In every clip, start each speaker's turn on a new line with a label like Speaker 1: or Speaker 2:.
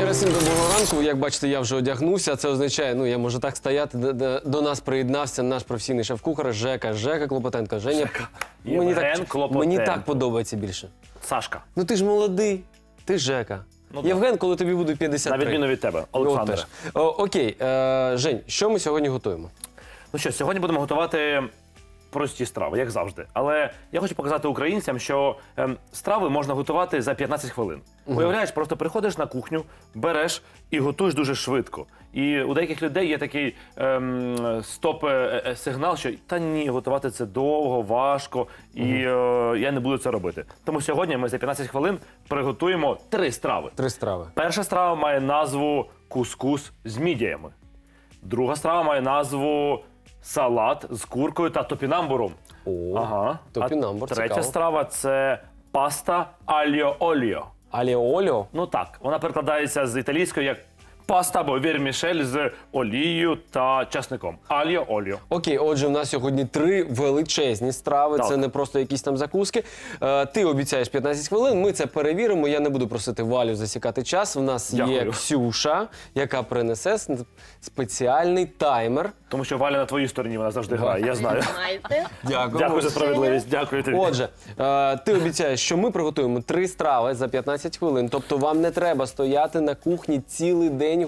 Speaker 1: Ще всім доброго ранку. Як бачите, я вже одягнувся. Це означає, я можу так стояти. До нас приєднався наш професійний шеф-кухар Жека Клопотенко. Женя, мені так подобається більше.
Speaker 2: Сашка.
Speaker 1: Ну ти ж молодий, ти Жека. Євген, коли тобі буде 53.
Speaker 2: На відміну від тебе, Олександр.
Speaker 1: Окей, Жень, що ми сьогодні готуємо?
Speaker 2: Ну що, сьогодні будемо готувати прості страви, як завжди. Але я хочу показати українцям, що страви можна готувати за 15 хвилин. Уявляєш, просто приходиш на кухню, береш і готуєш дуже швидко. І у деяких людей є такий стоп-сигнал, що та ні, готувати це довго, важко, і я не буду це робити. Тому сьогодні ми за 15 хвилин приготуємо 3 страви.
Speaker 1: 3 страви.
Speaker 2: Перша страва має назву кускус з мідіями. Друга страва має назву салат з куркою та топінамбуром.
Speaker 1: Ага, топінамбур,
Speaker 2: третя
Speaker 1: цікаво.
Speaker 2: страва – це паста аліо-оліо.
Speaker 1: Аліо-оліо?
Speaker 2: Ну так, вона перекладається з італійської як паста або вірмішель з олією та часником. Аліо-оліо.
Speaker 1: Окей, отже, в нас сьогодні 3 величезні страви,
Speaker 2: Так.
Speaker 1: це не просто якісь там закуски. Ти обіцяєш 15 хвилин, ми це перевіримо, я не буду просити Валю засікати час. В нас є
Speaker 2: Дякую.
Speaker 1: Ксюша, яка принесе спеціальний таймер.
Speaker 2: Тому що Валя на твоїй стороні, вона завжди грає, я знаю. Дякую за справедливість, дякую тобі.
Speaker 1: Отже, ти обіцяєш, що ми приготуємо 3 страви за 15 хвилин. Тобто вам не треба стояти на кухні цілий день,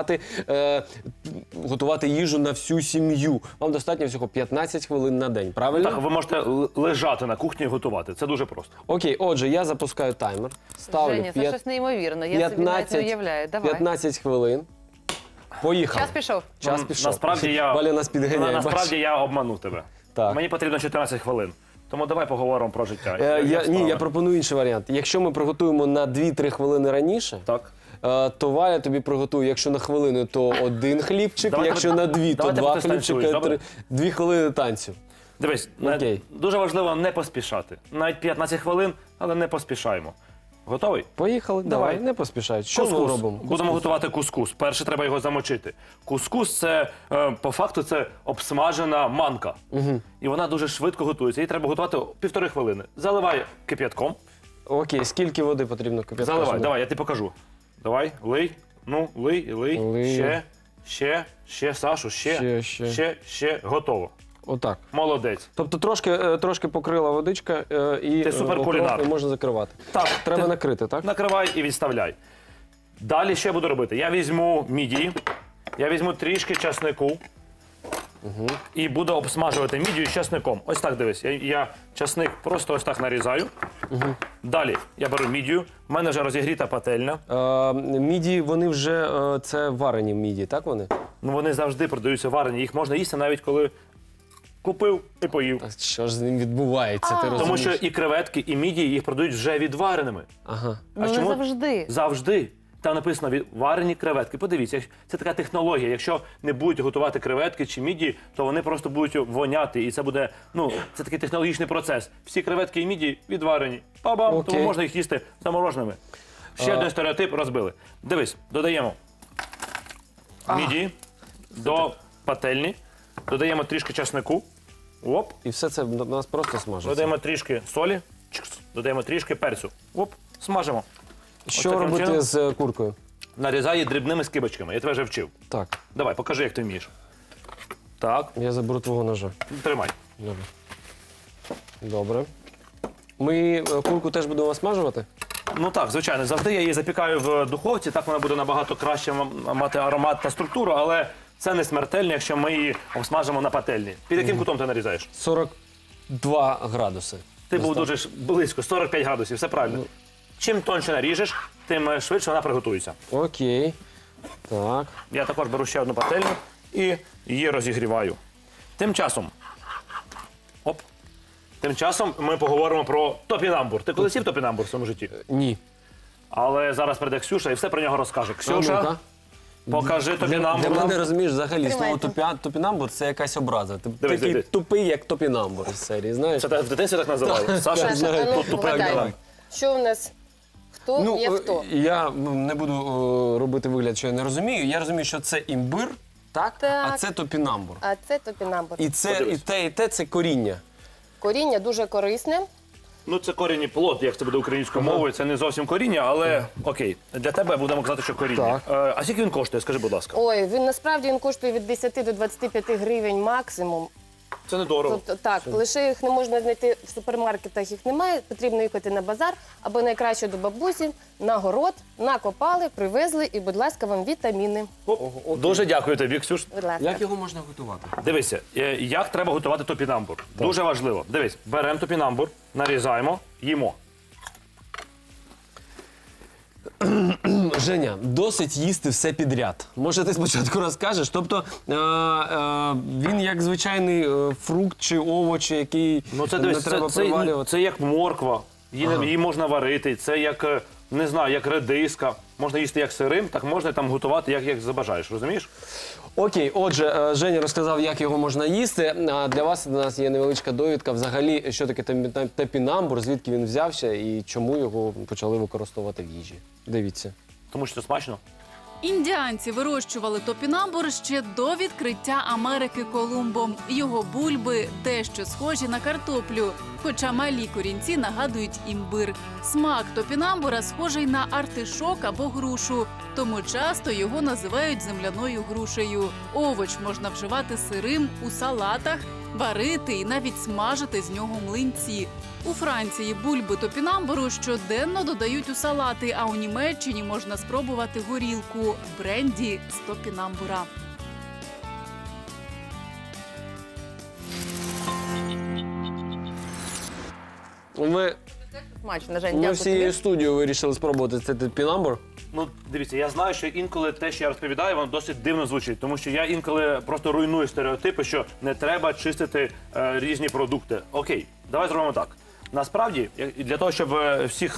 Speaker 1: готувати їжу на всю сім'ю. Вам достатньо всього 15 хвилин на день, правильно?
Speaker 2: Так, ви можете лежати на кухні і готувати, це дуже просто.
Speaker 1: Окей, отже, я запускаю таймер. Ставлю
Speaker 3: Женя, це щось неймовірне, я собі навіть не уявляю. Давай.
Speaker 1: 15 хвилин. Поїхали.
Speaker 3: Час пішов.
Speaker 1: Час пішов.
Speaker 2: Насправді
Speaker 1: Валя нас підганяє.
Speaker 2: Насправді я обманув тебе.
Speaker 1: Так.
Speaker 2: Мені потрібно 14 хвилин. Тому давай поговоримо про життя.
Speaker 1: Ні, я пропоную інший варіант. Якщо ми приготуємо на 2-3 хвилини раніше,
Speaker 2: Так.
Speaker 1: то Валя тобі приготує, якщо на хвилину, то 1 хлібчик,
Speaker 2: Давайте
Speaker 1: якщо на 2, то
Speaker 2: давайте
Speaker 1: 2
Speaker 2: потистанцюєш,
Speaker 1: хлібчика,
Speaker 2: добре?
Speaker 1: 2 хвилини танцю.
Speaker 2: Дивись,
Speaker 1: Окей.
Speaker 2: дуже важливо не поспішати. Навіть 15 хвилин, але не поспішаємо. Готовий?
Speaker 1: Поїхали, давай, не поспішай. Що ми робимо?
Speaker 2: Будемо готувати кускус. Перше треба його замочити. Кускус – це, по факту, це обсмажена манка. І вона дуже швидко готується. Її треба готувати 1,5 хвилини. Заливай кип'ятком.
Speaker 1: Окей, скільки води потрібно кип'ятку?
Speaker 2: Заливай, давай, я тобі покажу. Давай, лий. Ну, лий.
Speaker 1: Лию.
Speaker 2: Ще, Сашу, ще. Готово.
Speaker 1: Отак.
Speaker 2: Молодець.
Speaker 1: Тобто трошки покрила водичка і
Speaker 2: Ти суперкулінар.
Speaker 1: окропи можна закривати.
Speaker 2: Так.
Speaker 1: Треба накрити, так?
Speaker 2: Накривай і відставляй. Далі що я буду робити? Я візьму мідії, я візьму трішки часнику і буду обсмажувати мідію з часником. Ось так, дивись. Я часник просто ось так нарізаю. Далі я беру мідію. У мене вже розігріта пательня.
Speaker 1: Мідії, вони вже, це варені мідії, так вони?
Speaker 2: Ну, вони завжди продаються варені. Їх можна їсти навіть коли купив і поїв.
Speaker 1: Що ж з ним відбувається, ти розумієш?
Speaker 2: Тому що і креветки, і мідії їх продають вже відвареними.
Speaker 1: Ага.
Speaker 3: Ну, не завжди.
Speaker 2: Завжди. Там написано відварені креветки. Подивіться, це така технологія. Якщо не будуть готувати креветки чи мідії, то вони просто будуть воняти. І це буде, це такий технологічний процес. Всі креветки і мідії відварені. Па-бам!
Speaker 1: Окей.
Speaker 2: Тому можна їх їсти замороженими. Ще один стереотип розбили. Дивись, додаємо мідії до пательні, додаємо трішки часнику. Оп.
Speaker 1: І все це в нас просто смажиться.
Speaker 2: Додаємо трішки солі, додаємо трішки перцю. Оп, смажимо.
Speaker 1: Що
Speaker 2: таким
Speaker 1: робити
Speaker 2: чином?
Speaker 1: з куркою?
Speaker 2: Нарізай її дрібними скибочками. Я тебе вже вчив.
Speaker 1: Так,
Speaker 2: Давай, покажи, як ти вмієш. Так,
Speaker 1: я заберу твого ножа.
Speaker 2: тримай.
Speaker 1: Добре. Добре. Ми курку теж будемо смажувати?
Speaker 2: Ну так, звичайно, завжди я її запікаю в духовці, так вона буде набагато краще мати аромат та структуру, але це не смертельно, якщо ми її обсмажимо на пательні. Під яким кутом ти нарізаєш?
Speaker 1: 42 градуси.
Speaker 2: Ти був дуже близько, 45 градусів, все правильно. Чим тоньше наріжеш, тим швидше вона приготується.
Speaker 1: Окей. Так.
Speaker 2: Я також беру ще одну пательню і її розігріваю. Тим часом ми поговоримо про топінамбур. Ти колись їв топінамбур в своєму житті?
Speaker 1: Ні.
Speaker 2: Але зараз прийде Ксюша і все про нього розкаже.
Speaker 1: ну-ка.
Speaker 2: Ксюша, покажи топінамбур.
Speaker 1: Для мене, розумієш, взагалі слово
Speaker 3: Тримайте.
Speaker 1: топінамбур – це якась образа. Ти
Speaker 2: Дивись,
Speaker 1: такий
Speaker 2: дивись.
Speaker 1: тупий, як топінамбур з серії, знаєш?
Speaker 2: Це в дитинстві так називали. Саша,
Speaker 1: знаю.
Speaker 3: ну,
Speaker 2: тут тупий
Speaker 3: вгадай.
Speaker 2: давай.
Speaker 3: Що в нас? Хто є хто?
Speaker 1: Я не буду робити вигляд, що я не розумію. Я розумію, що це імбир, так?
Speaker 3: Так.
Speaker 1: А це топінамбур.
Speaker 3: А це топінамбур.
Speaker 1: І те, і те це коріння.
Speaker 3: Коріння дуже корисне.
Speaker 2: Ну, це корінь і плод, як це буде українською мовою. Це не зовсім коріння, але окей. Для тебе будемо казати, що коріння. А скільки він коштує, скажи, будь ласка.
Speaker 3: Ой, насправді він коштує від 10 до 25 гривень максимум.
Speaker 2: Це недорого.
Speaker 3: Тобто, так, лише їх не можна знайти в супермаркетах, їх немає. Потрібно їхати на базар або найкраще до бабусі, на город, накопали, привезли і, будь ласка, вам вітаміни.
Speaker 2: Дуже дякую тобі, Ксюш.
Speaker 3: Будь ласка.
Speaker 1: Як його можна готувати?
Speaker 2: Дивися, як треба готувати топінамбур. Дуже важливо. Дивись, беремо топінамбур, нарізаємо, їмо.
Speaker 1: Женя, досить їсти все підряд. Може, ти спочатку розкажеш? Тобто, він як звичайний фрукт чи овоч, який
Speaker 2: Ну, це,
Speaker 1: не
Speaker 2: дивись,
Speaker 1: треба
Speaker 2: це
Speaker 1: привалювати?
Speaker 2: як морква, її можна варити, це як, не знаю, як редиска. Можна їсти як сирим, так можна там готувати, як забажаєш, розумієш?
Speaker 1: Окей, отже, Женя розказав, як його можна їсти. А для вас у нас є невеличка довідка. Взагалі, що таке топінамбур, звідки він взявся і чому його почали використовувати в їжі. Дивіться.
Speaker 2: Тому що це смачно.
Speaker 4: Індіанці вирощували топінамбур ще до відкриття Америки Колумбом. Його бульби дещо схожі на картоплю, хоча малі корінці нагадують імбир. Смак топінамбура схожий на артишок або грушу, тому часто його називають земляною грушею. Овоч можна вживати сирим у салатах, варити і навіть смажити з нього млинці. У Франції бульби топінамбуру щоденно додають у салати, а у Німеччині можна спробувати горілку – бренді з топінамбура.
Speaker 3: Смачно, Жень,
Speaker 1: Ми
Speaker 3: дякую
Speaker 1: всією
Speaker 3: тобі.
Speaker 1: студією вирішили спробувати цей топінамбур.
Speaker 2: Ну, дивіться, я знаю, що інколи те, що я розповідаю, воно досить дивно звучить, тому що я інколи просто руйную стереотипи, що не треба чистити різні продукти. Окей, давай зробимо так. Насправді, для того, щоб всіх,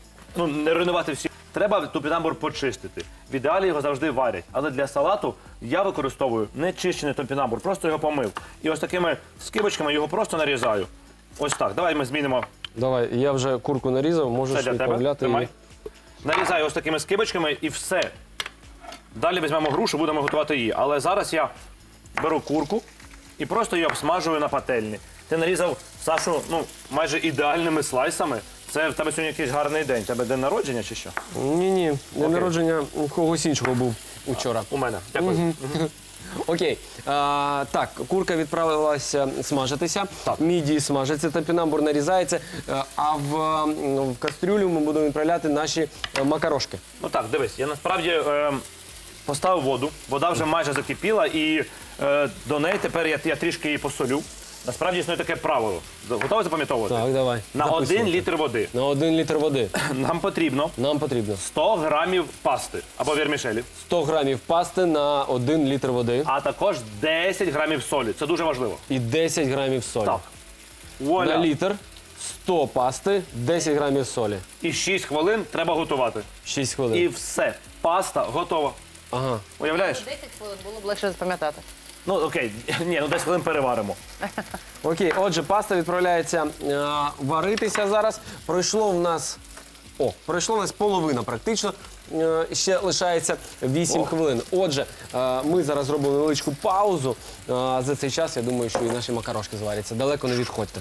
Speaker 2: не руйнувати всіх, треба топінамбур почистити. В ідеалі його завжди варять. Але для салату я використовую не чищений топінамбур, просто його помив. І ось такими скибочками його просто нарізаю. Ось так. Давай ми змінимо.
Speaker 1: Давай, я вже курку нарізав,
Speaker 2: Це
Speaker 1: можеш
Speaker 2: для тебе.
Speaker 1: відправляти
Speaker 2: Тримай.
Speaker 1: її.
Speaker 2: Нарізаю ось такими скибочками і все. Далі візьмемо грушу, будемо готувати її. Але зараз я беру курку і просто її обсмажую на пательні. Ти нарізав, Сашу, майже ідеальними слайсами. Це в тебе сьогодні якийсь гарний день. У тебе день народження чи що?
Speaker 1: Ні, день народження у когось іншого був учора.
Speaker 2: У мене. Дякую.
Speaker 1: Окей. Так, курка відправилася смажитися, мідії смажаться, топінамбур нарізається, а в кастрюлю ми будемо відправляти наші макарошки.
Speaker 2: Ну так, дивись, я насправді поставив воду, вода вже майже закипіла і до неї тепер я трішки її посолю. Насправді існує таке правило. Готові запам'ятовувати?
Speaker 1: Так, давай.
Speaker 2: На 1 літр води
Speaker 1: На 1 літр води
Speaker 2: нам потрібно
Speaker 1: нам потрібно
Speaker 2: 100 грамів пасти або вірмішелі,
Speaker 1: 100 грамів пасти на 1 літр води
Speaker 2: а також 10 грамів солі. Це дуже важливо.
Speaker 1: і 10 грамів солі.
Speaker 2: Так.
Speaker 1: На
Speaker 2: Вуаля.
Speaker 1: літр 100 пасти, 10 грамів солі.
Speaker 2: І 6 хвилин треба готувати.
Speaker 1: 6 хвилин.
Speaker 2: І все. Паста готова.
Speaker 1: Ага.
Speaker 2: Уявляєш?
Speaker 3: 10 хвилин було б легше запам'ятати.
Speaker 2: Ну окей, ні, 10 хвилин переваримо.
Speaker 1: Окей, отже, паста відправляється варитися зараз. Пройшло в нас половина практично. Ще лишається 8 хвилин. Отже, ми зараз зробимо невеличку паузу. За цей час, я думаю, що і наші макарошки зваряться. Далеко не відходьте.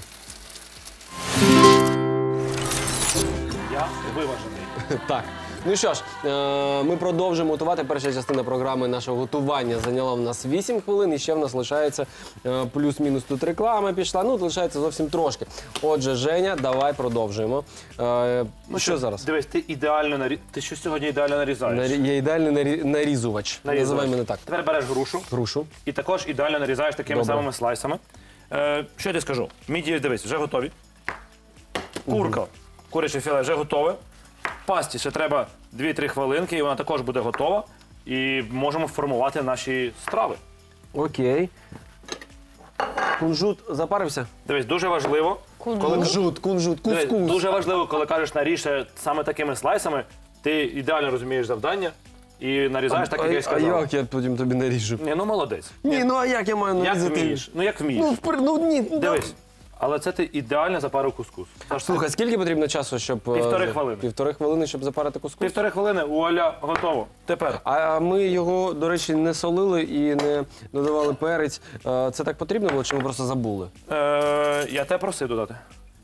Speaker 2: Я виважений.
Speaker 1: Так. Ну що ж, ми продовжуємо готувати. Перша частина програми нашого готування зайняла в нас 8 хвилин, і ще в нас лишається плюс-мінус тут реклама пішла. Ну, лишається зовсім трошки. Отже, Женя, давай продовжуємо. Що зараз?
Speaker 2: Дивись, ти що сьогодні ідеально нарізаєш?
Speaker 1: Я ідеальний нарізувач. Називай мене так.
Speaker 2: Тепер береш грушу
Speaker 1: Грушу.
Speaker 2: і також ідеально нарізаєш такими
Speaker 1: Добре.
Speaker 2: самими слайсами. Що я тобі скажу? Мідії, дивись, вже готові. Курка, куряче філе вже готове. Пасті ще треба 2-3 хвилинки, і вона також буде готова. І можемо формувати наші страви.
Speaker 1: Окей. Кунжут запарився?
Speaker 2: Дивись, дуже важливо.
Speaker 1: Кунжут,
Speaker 2: Дивись,
Speaker 1: кускус.
Speaker 2: дуже важливо, коли кажеш наріж саме такими слайсами, ти ідеально розумієш завдання і нарізаєш так, як я
Speaker 1: А
Speaker 2: сказав.
Speaker 1: як я потім тобі наріжу?
Speaker 2: Ні, ну молодець.
Speaker 1: Ні, ну а як я маю
Speaker 2: Як
Speaker 1: нарізати?
Speaker 2: вмієш? Ну як вмієш?
Speaker 1: Ні.
Speaker 2: Дивись. Але це ти ідеально запарив кускус.
Speaker 1: Слухай, скільки потрібно часу, щоб...
Speaker 2: 1,5 хвилини.
Speaker 1: 1,5 хвилини, щоб запарити кускус?
Speaker 2: 1,5 хвилини, вуаля, готово. Тепер.
Speaker 1: А ми його, до речі, не солили і не додавали перець. Це так потрібно було, чи ми просто забули?
Speaker 2: Я тебе просив додати.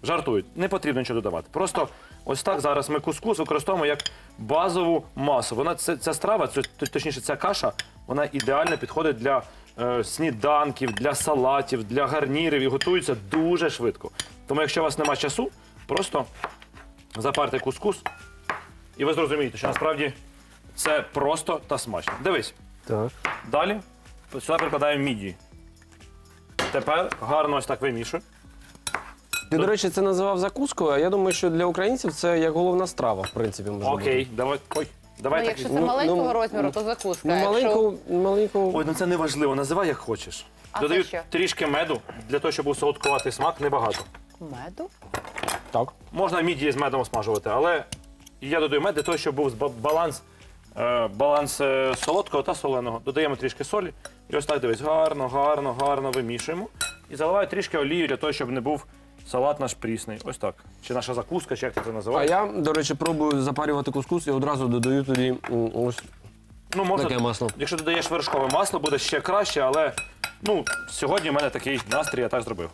Speaker 2: Жартують. Не потрібно нічого додавати. Просто ось так зараз ми кускус використовуємо як базову масу. Вона, ця страва, точніше ця каша, вона ідеально підходить для сніданків, для салатів, для гарнірів і готується дуже швидко. Тому якщо у вас немає часу, просто запарте кускус і ви зрозумієте, що насправді це просто та смачно. Дивись.
Speaker 1: Так.
Speaker 2: Далі сюди прикладаємо мідії. Тепер гарно ось так вимішуємо.
Speaker 1: Ти, до речі, це називав закускою, а я думаю, що для українців це як головна страва, в принципі, може
Speaker 2: Окей,
Speaker 1: бути.
Speaker 2: давай. Ой, давай
Speaker 3: Ну,
Speaker 2: так.
Speaker 3: якщо це маленького
Speaker 1: ну,
Speaker 3: розміру, то закуска.
Speaker 1: Ну, маленьку...
Speaker 2: Ой, ну це не важливо, називай як хочеш.
Speaker 3: А
Speaker 2: Додаю
Speaker 3: це що?
Speaker 2: трішки меду, для того, щоб був солодкуватий смак, небагато.
Speaker 3: Меду?
Speaker 1: Так.
Speaker 2: Можна мідії з медом смажувати, але я додаю мед для того, щоб був баланс солодкого та соленого. Додаємо трішки солі і ось так дивись, гарно вимішуємо. І заливаю трішки олію для того, щоб не був салат наш прісний. Ось так. Чи наша закуска, чи як ти це
Speaker 1: А
Speaker 2: називаєш.
Speaker 1: я, до речі, пробую запарювати кускус і одразу додаю туди ось
Speaker 2: Ну, можна,
Speaker 1: таке масло.
Speaker 2: якщо додаєш вершкове масло, буде ще краще, але ну, сьогодні в мене такий настрій, я так зробив.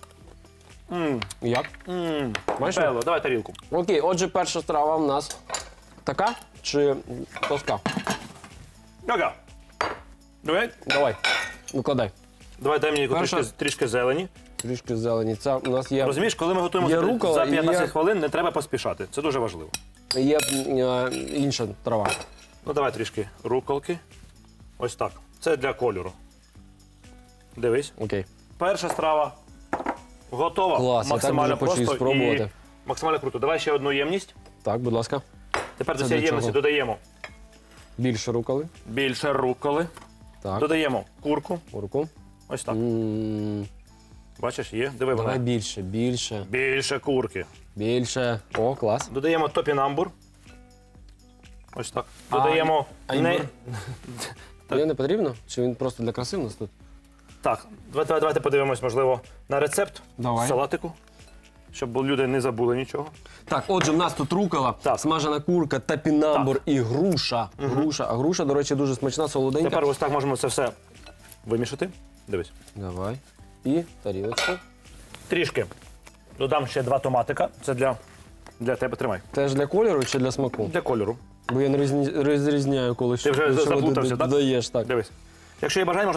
Speaker 1: Як? Бачиш?
Speaker 2: Бело, давай тарілку.
Speaker 1: Окей, отже, перша страва в нас така чи плоска?
Speaker 2: Ага.
Speaker 1: Давай, викладай.
Speaker 2: Давай дай мені
Speaker 1: Перша.
Speaker 2: трішки зелені.
Speaker 1: Трішки зелені. Це у нас є,
Speaker 2: Розумієш, коли ми готуємо
Speaker 1: Є
Speaker 2: за
Speaker 1: рукола і
Speaker 2: 15
Speaker 1: є-
Speaker 2: хвилин, не треба поспішати. Це дуже важливо.
Speaker 1: інша трава.
Speaker 2: Ну давай трішки руколки. Ось так. Це для кольору. Дивись.
Speaker 1: Окей.
Speaker 2: Перша страва готова.
Speaker 1: Клас, я так
Speaker 2: Максимально
Speaker 1: дуже хочу
Speaker 2: просто
Speaker 1: спробувати.
Speaker 2: і максимально круто. Давай ще одну ємність.
Speaker 1: Так, будь ласка.
Speaker 2: Тепер до
Speaker 1: Це
Speaker 2: цієї
Speaker 1: для
Speaker 2: ємності
Speaker 1: чого?
Speaker 2: додаємо
Speaker 1: Більше руколи.
Speaker 2: більше руколи.
Speaker 1: Так,
Speaker 2: Додаємо курку.
Speaker 1: курку.
Speaker 2: Ось так.
Speaker 1: М,
Speaker 2: Бачиш, є. Диви
Speaker 1: Давай
Speaker 2: вона.
Speaker 1: більше, більше,
Speaker 2: Більше курки.
Speaker 1: більше. О, клас.
Speaker 2: Додаємо топінамбур. Ось так. Додаємо
Speaker 1: а
Speaker 2: не...
Speaker 1: імбир? Тобі не потрібно? Чи він просто для краси у нас тут?
Speaker 2: Так, давайте подивимось, можливо, на рецепт
Speaker 1: Давай.
Speaker 2: салатику, щоб люди не забули нічого.
Speaker 1: Так, отже, в нас тут рукола,
Speaker 2: Так.
Speaker 1: смажена курка, топінамбур і груша. Груша. А груша, до речі, дуже смачна, солоденька.
Speaker 2: Тепер ось так можемо це все вимішати. Дивись.
Speaker 1: Давай. І тарілочку.
Speaker 2: Трішки додам ще 2 томатика. Це для тебе. Тримай.
Speaker 1: Теж для кольору чи для смаку?
Speaker 2: Для кольору.
Speaker 1: Бо я не розрізняю, коли
Speaker 2: Ти вже
Speaker 1: що
Speaker 2: заплутався, так?
Speaker 1: додаєш, так.
Speaker 2: Дивись. Якщо є бажання,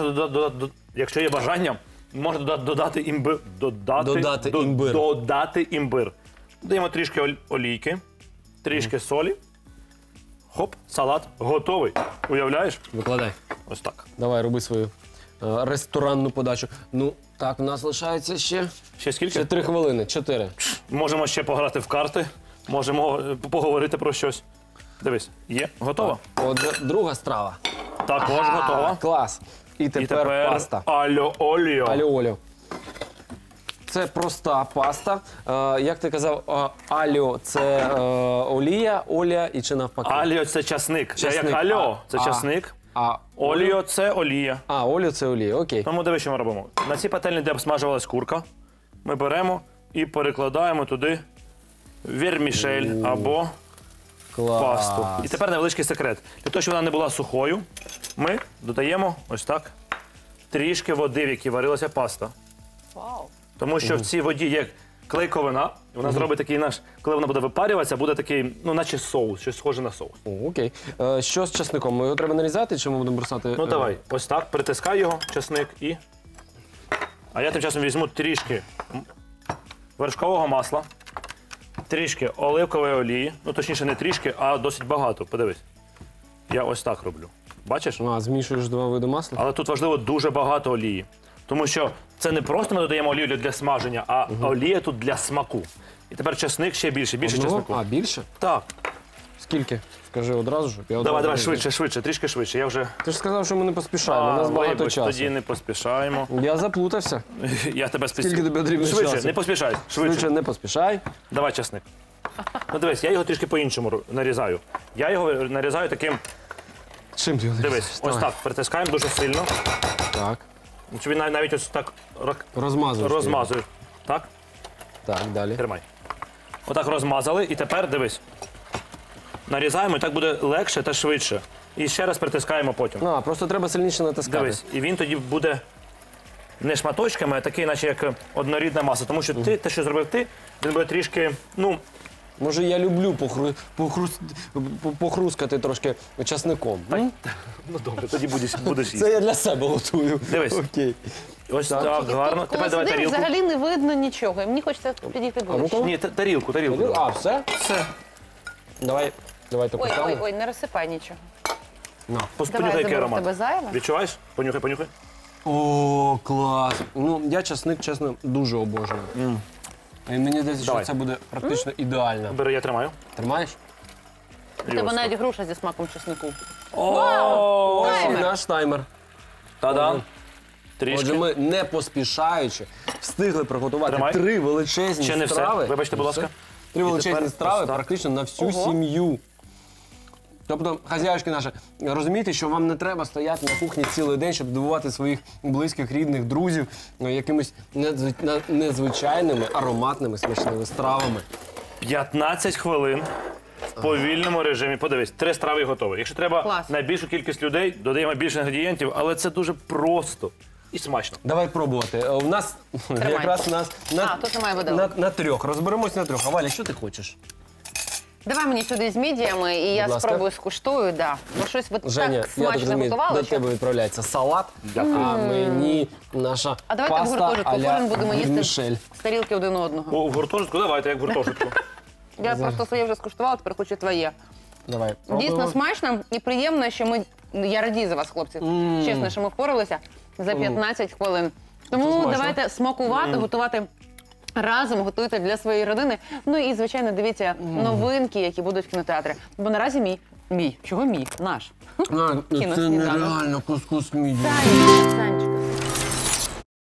Speaker 2: можна додати імбир. Додати імбир. Додаємо трішки олійки, трішки солі. Хоп, салат готовий. Уявляєш?
Speaker 1: Викладай.
Speaker 2: Ось так.
Speaker 1: Давай, роби свою ресторанну подачу. Ну, так, в нас лишається ще
Speaker 2: Ще скільки?
Speaker 1: 3 хвилини. 4.
Speaker 2: Можемо ще пограти в карти, можемо поговорити про щось. Дивись, є, готова?
Speaker 1: Отже, друга страва.
Speaker 2: Також готова.
Speaker 1: Клас. І тепер паста.
Speaker 2: Альо оліо.
Speaker 1: Аліо-оліо. Це проста паста. Як ти казав, аліо – це олія і чи навпаки?
Speaker 2: Аліо це часник. Це як
Speaker 1: Часник.
Speaker 2: альо, це часник.
Speaker 1: А
Speaker 2: Оліо це олія.
Speaker 1: оліо – це олія, окей.
Speaker 2: Тому дивись, що ми робимо. На цій пательні, де обсмажувалась курка, ми беремо і перекладаємо туди вірмішель або
Speaker 1: Клас.
Speaker 2: пасту. І тепер невеличкий секрет. Для того, щоб вона не була сухою, ми додаємо ось так трішки води, в якій варилася паста.
Speaker 3: Вау.
Speaker 2: Тому що в цій воді є клейковина, і вона зробить такий наш, коли вона буде випарюватися, буде такий, ну, наче соус, щось схоже на соус.
Speaker 1: О, окей. Що з часником? Його треба нарізати, чи ми будемо бросати?
Speaker 2: Ну давай, ось так, притискай його, часник і. А я тим часом візьму трішки вершкового масла, трішки оливкової олії, ну точніше не трішки, а досить багато. Подивись. Я ось так роблю. Бачиш?
Speaker 1: Змішуєш 2 види масла?
Speaker 2: Але тут важливо дуже багато олії. Тому що це не просто ми додаємо олію для смаження, а олія тут для смаку. І тепер часник ще більше часнику.
Speaker 1: Більше?
Speaker 2: Так.
Speaker 1: Скільки? Скажи одразу, щоб я
Speaker 2: Давай,
Speaker 1: одразу...
Speaker 2: швидше, трішки швидше. Я вже.
Speaker 1: Ти ж сказав, що ми не поспішаємо, у нас багато
Speaker 2: вибач,
Speaker 1: часу.
Speaker 2: тоді не поспішаємо.
Speaker 1: Я заплутався.
Speaker 2: Я тебе
Speaker 1: Скільки тобі потрібно
Speaker 2: Швидше,
Speaker 1: часу?
Speaker 2: не поспішай.
Speaker 1: Швидше не поспішай.
Speaker 2: Давай часник. Ну дивись, я його трішки по-іншому нарізаю. Я його нарізаю таким.
Speaker 1: Чим ти його
Speaker 2: Дивись,
Speaker 1: нарізаєш?
Speaker 2: ось
Speaker 1: Давай.
Speaker 2: так, притискаємо дуже сильно.
Speaker 1: Так.
Speaker 2: Щоб він навіть ось так
Speaker 1: Розмазуєш. ти
Speaker 2: розмазує. Так?
Speaker 1: його. Так, далі.
Speaker 2: Тримай. Отак розмазали, і тепер дивись. Нарізаємо, і так буде легше та швидше. І ще раз притискаємо потім.
Speaker 1: Просто треба сильніше натискати.
Speaker 2: Дивись, і він тоді буде не шматочками, а такий, наче як однорідна маса. Тому що ти, те, що зробив ти, Він буде трішки, ну,
Speaker 1: Може, я люблю похрускати трошки часником. м?
Speaker 2: ну добре, тоді будеш їсти.
Speaker 1: Це я для себе готую.
Speaker 2: Дивись.
Speaker 1: Окей.
Speaker 2: Ось так, гарно. Тепер давай
Speaker 5: Сюди
Speaker 2: тарілку.
Speaker 5: взагалі не видно нічого. І мені хочеться підійти ближче.
Speaker 2: Ні, тарілку.
Speaker 1: А, все?
Speaker 2: Все.
Speaker 1: Давайте
Speaker 5: Ой,
Speaker 1: поставимо.
Speaker 5: ой, не розсипай нічого. Давай,
Speaker 2: Понюхай, який
Speaker 5: заберу в
Speaker 2: аромат.
Speaker 5: тебе зайве.
Speaker 2: Відчуваєш? Понюхай.
Speaker 1: О, клас. Ну, я часник, чесно, дуже обожнюю. І мені здається, що
Speaker 2: Давай.
Speaker 1: це буде практично ідеально.
Speaker 2: Бери, я тримаю.
Speaker 1: Тримаєш?
Speaker 5: У тебе навіть груша зі смаком чеснику.
Speaker 1: Ось і
Speaker 5: Таймер.
Speaker 1: наш таймер.
Speaker 2: Та-да.
Speaker 1: Отже,
Speaker 2: Трішки.
Speaker 1: ми не поспішаючи встигли приготувати
Speaker 2: Тримай.
Speaker 1: 3 величезні
Speaker 2: Ще не все.
Speaker 1: страви.
Speaker 2: Вибачте, будь ласка.
Speaker 1: 3 величезні
Speaker 2: тепер
Speaker 1: страви
Speaker 2: ось так.
Speaker 1: практично на всю
Speaker 5: Ого.
Speaker 1: сім'ю. Тобто, хазяюшки наші, розумієте, що вам не треба стояти на кухні цілий день, щоб дивувати своїх близьких, рідних, друзів якимись незвичайними, ароматними, смачними стравами.
Speaker 2: 15 хвилин в повільному режимі. Подивись, 3 страви готові. Якщо треба
Speaker 5: Клас.
Speaker 2: на більшу кількість людей, додаємо більше інгредієнтів, але це дуже просто і смачно.
Speaker 1: Давай пробувати. У нас якраз
Speaker 5: тут немає виделок.
Speaker 1: на 3. Розберемось на 3. А Валя, що ти хочеш?
Speaker 5: Давай мені сюди з мідіями, і я
Speaker 1: ласка.
Speaker 5: спробую скуштую. Да. Бо щось ви
Speaker 1: Женя,
Speaker 5: так
Speaker 1: я так
Speaker 5: смачно
Speaker 1: розумію,
Speaker 5: готували,
Speaker 1: до
Speaker 5: що...
Speaker 1: тебе відправляється салат, а мені наша
Speaker 5: А давайте в
Speaker 1: паста
Speaker 5: гуртожитку
Speaker 1: а-ля
Speaker 5: кожен будемо їсти
Speaker 1: вермішель.
Speaker 5: з тарілки один одного.
Speaker 2: У гуртожитку? Давайте, як в гуртожитку.
Speaker 5: Я просто своє вже скуштувала, тепер хочу твоє.
Speaker 1: Давай,
Speaker 5: Дійсно
Speaker 1: пробуємо.
Speaker 5: смачно і приємно, що я радію за вас, хлопці. Чесно, що ми впоралися за 15 хвилин. Тому
Speaker 1: смачно.
Speaker 5: давайте смакувати, готувати разом, готуйте для своєї родини. Ну і, звичайно, дивіться новинки, які будуть в кінотеатрі. Бо наразі мій. Чого мій? Наш.
Speaker 1: Це
Speaker 5: Кіносніданок.
Speaker 1: нереально кускус мідії.
Speaker 5: Санечка.